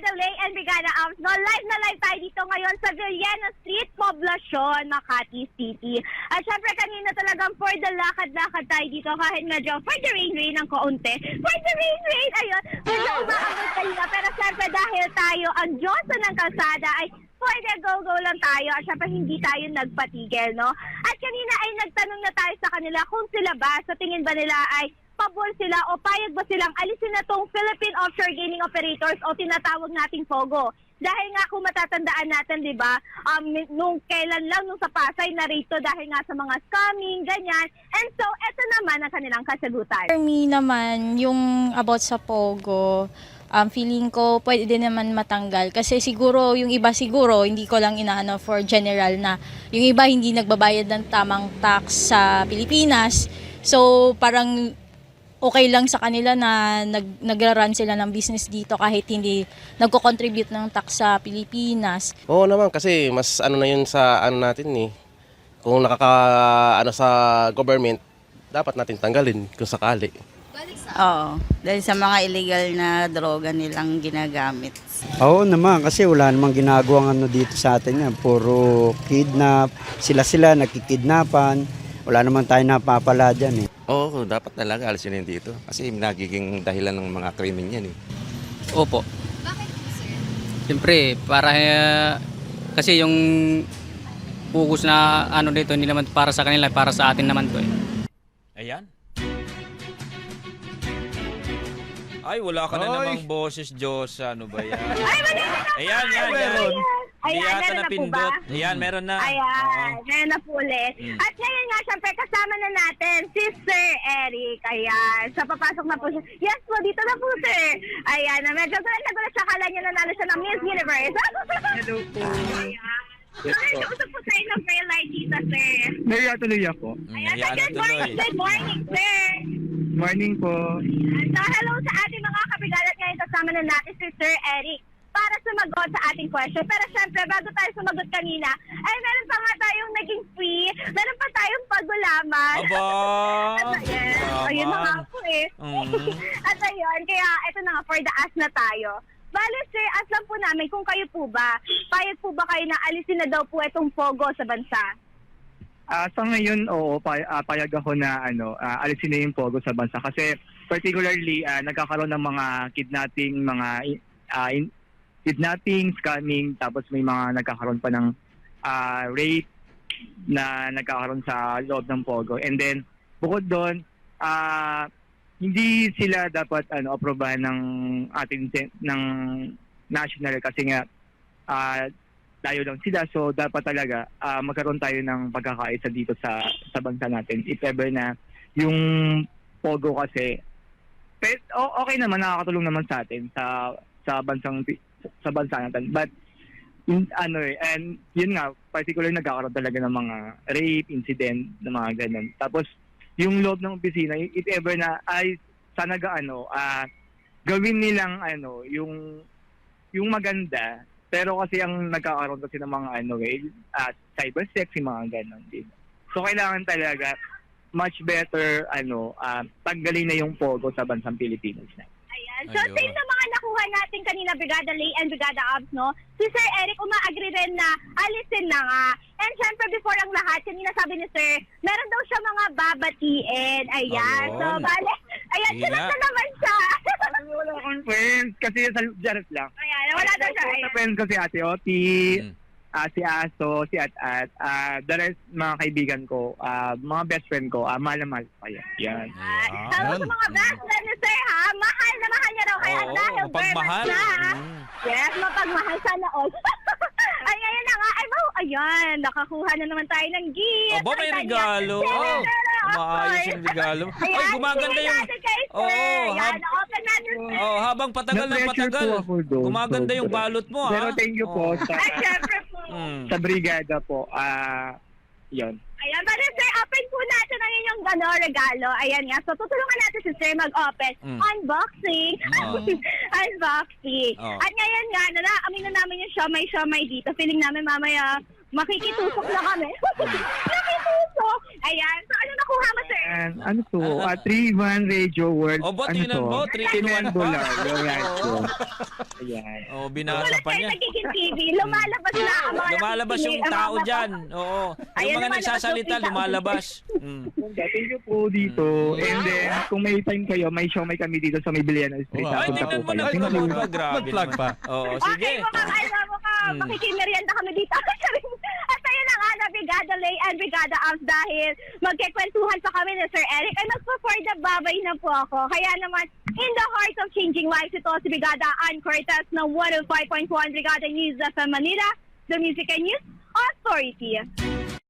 Brigada Lay and Brigada Arms. No, live na live tayo dito ngayon sa Villena Street, Poblacion, Makati City. At syempre kanina talagang for the lakad-lakad tayo dito kahit medyo for the rain ng kaunti. For the rain, ayun. Medyo umaabot kanina. Pero syempre dahil tayo ang Diyosa ng kalsada ay for the go-go lang tayo at syempre hindi tayo nagpatigil, no? At kanina ay nagtanong na tayo sa kanila kung sila ba, sa tingin ba nila ay pabor sila o payag ba silang alisin na tong Philippine Offshore Gaming Operators o tinatawag nating POGO. Dahil nga kung matatandaan natin, di ba, nung kailan lang, nung sa Pasay, narito dahil nga sa mga scamming, ganyan. And so, eto naman ang kanilang kasagutan. For me naman, yung about sa POGO, feeling ko pwede din naman matanggal. Kasi siguro, yung iba siguro, hindi ko lang inaano for general na yung iba hindi nagbabayad ng tamang tax sa Pilipinas. So, parang okay lang sa kanila na nagra-run sila ng business dito kahit hindi nagko-contribute ng tax sa Pilipinas. Oo naman kasi mas ano na yun sa ano natin eh. Kung ano sa government, dapat natin tanggalin kung sakali. Oo, dahil sa mga illegal na droga nilang ginagamit. Oo naman, kasi wala namang ginagawang ano dito sa atin yan. Puro kidnap, sila nakikidnapan. Wala naman tayo napapala dyan eh. Oo, dapat talaga alisin yun dito. Kasi nagiging dahilan ng mga krimen yan eh. Opo. Bakit, sir? Siyempre, kasi yung focus na ano dito, hindi naman para sa kanila, para sa atin naman to eh. Ayan. Ay, wala ka na namang boses, Diyos. Ano ba yan? Ayan, yan. Hindi Ayan, yata meron na po napindot. ba? Ayan, meron na. Ayan, meron na po ulit. At ngayon nga, syempre, kasama na natin si Sir Eric. Ayan, so papasok na po siya. Yes po, dito na po, sir. Ayan, medyo nagulat siya, kala niya nanalo siya ng Miss Universe. Hello po. Sorry, usap po tayo ng prayer light dito, sir. Maria tuloy ako. Ayan, Ayan na tuloy. good morning, sir. Morning po. So, hello sa ating mga kabigalat ngayon. Kasama na natin si Sir Eric para sumagot sa ating question. Pero syempre, bago tayo sumagot kanina, ay meron pa nga tayong naging free, meron pa tayong pagulaman. Aba! Yes, ayun na nga po eh. At ayun, kaya ito na nga, for the ask na tayo. Bale, sir, ask lang po namin kung kayo po ba, payag po ba kayo na alisin na daw po itong POGO sa bansa? Sa ngayon, oo, payag ako na alisin na yung POGO sa bansa. Kasi particularly, nagkakaroon ng mga kidnapping, scamming, tapos may mga nagkakaroon pa ng rape na nagkakaroon sa loob ng POGO. And then, bukod doon, hindi sila dapat aprobahan ng ating ng national kasi nga tayo lang sila. So, dapat talaga magkaroon tayo ng pagkakaisa dito sa bansa natin. If ever na yung POGO kasi, okay naman, nakakatulong naman sa atin sa bansa natin. But and yun nga, particularly nagkakaroon talaga ng mga rape incident, ng mga ganun. Tapos yung loob ng opisina, if ever na ay sana gawin nilang yung maganda, pero kasi ang nagkakaroon kasi ng mga cyber sex, yung mga ganun din. So kailangan talaga much better tanggalin na yung POGO sa bansang Pilipinas na. Ayan. So, same na mga nakuha natin kanina, Brigada Lay and Brigada Abs, no? Si Sir Eric, umaagree rin na alisin na nga. And syempre, before ang lahat, kanina sabi ni Sir, meron daw siya mga babatiin. Ayan. Ayun. So, bale, ayan, Sige sunod na. na naman siya. Wala akong friends kasi sa Janet lang. Ayan, wala daw siya. Sa Ayan. friends ko si Ate Oti, si Aso, si At-At, the rest mga kaibigan ko, mga best friend ko, mahal na mahal ko kaya. Yan. Sabi sa mga best friend ni Sir, ha? Mahal na mahal niya raw. Kaya Oo, dahil mapagmahal. na, ha? Yes, mapagmahal sana all. Ay, ngayon na nga. Ay, ayan, nakakuha na naman tayo ng gift. Aba, may Ay, regalo. Sir, Maayos yung regalo. Ay, Ayan, gumaganda bigay yung... natin kay Sir. Oo, Yan, open natin, Sir. habang patagal ng Na-pressure patagal, po ako doon. gumaganda yung Sobra. balot mo, Pero ha? thank you po Ay, syempre po. sa brigada po. Yun. Ayan, pero Sir, open po natin ang inyong regalo. Ayan nga. So, tutulungan natin si Sir mag-open. Unboxing. Unboxing. Oh. At ngayon nga, amin na namin yung siomay dito. Feeling namin mamaya makikitusok na kami. Nakitusok. Ayan. So, ano nakuha mo, sir? And ano to? 3-1 Radio World. O, ba't ano tinan to? mo? 3-in-1 pa? Alright po. Oo. Ayan. Oh, binasa Tulad pa kayo niya. nagiging TV, lumalabas na ang mga Lumalabas yung nakikinig, ang tao mga- dyan. Oo. Yung Ayan, mga lumalabas nagsasalita, yung tao. lumalabas. Thank you po dito. And then, kung may time kayo, may show may kami dito sa may Biliana Street. Wow. Ay, Punta tingnan po mo kayo. na. Thank you. Grabe Mag-plug naman. pa. Oo, Okay, sige. makikimerienda kami dito. At ayun na nga na, Brigada Lay and Brigada Amps dahil magkikwentuhan pa kami ni Sir Eric ay magpo-for the babay na po ako. Kaya naman, in the heart of changing lives, ito si Brigada Ann Cortez ng 105.1 Brigada News sa Manila, the Music and News Authority.